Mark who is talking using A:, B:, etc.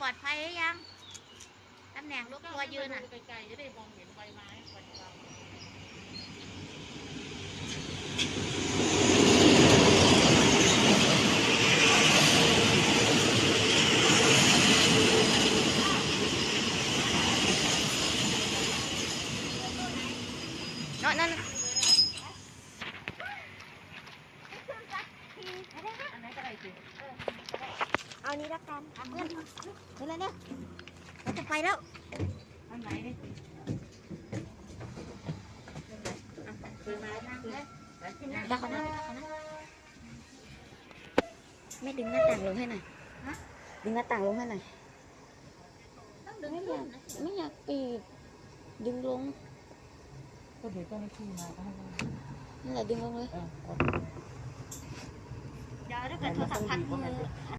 A: ปลอดภัยหรือยังตำแหน่งลูกตัวยืนอ่ะ
B: ไกลๆจะได้มองเห็นใบไม้ใบไม้
A: นั่น
B: อันไหนก็ได้สิ
A: เอานี้ละกันเพื่อนเดี๋ยวเลยเนี่ยเราจะไปแล้ว
B: อันไหนนี่ใบไม้นั่งเลย
A: ได้เขานะไม่ดึงหน้าต่างลงให้หน่อยดึงหน้าต่างลงให้หน่อยไม่อยากปิดดึงลง
B: ก็เดี๋ยวเจ้าหน้าที่มาก็ให้เขา
A: นั่นแหละดึงลงเลยเดี๋ยวถ้าเกิดโทรศัพท์พัดมือ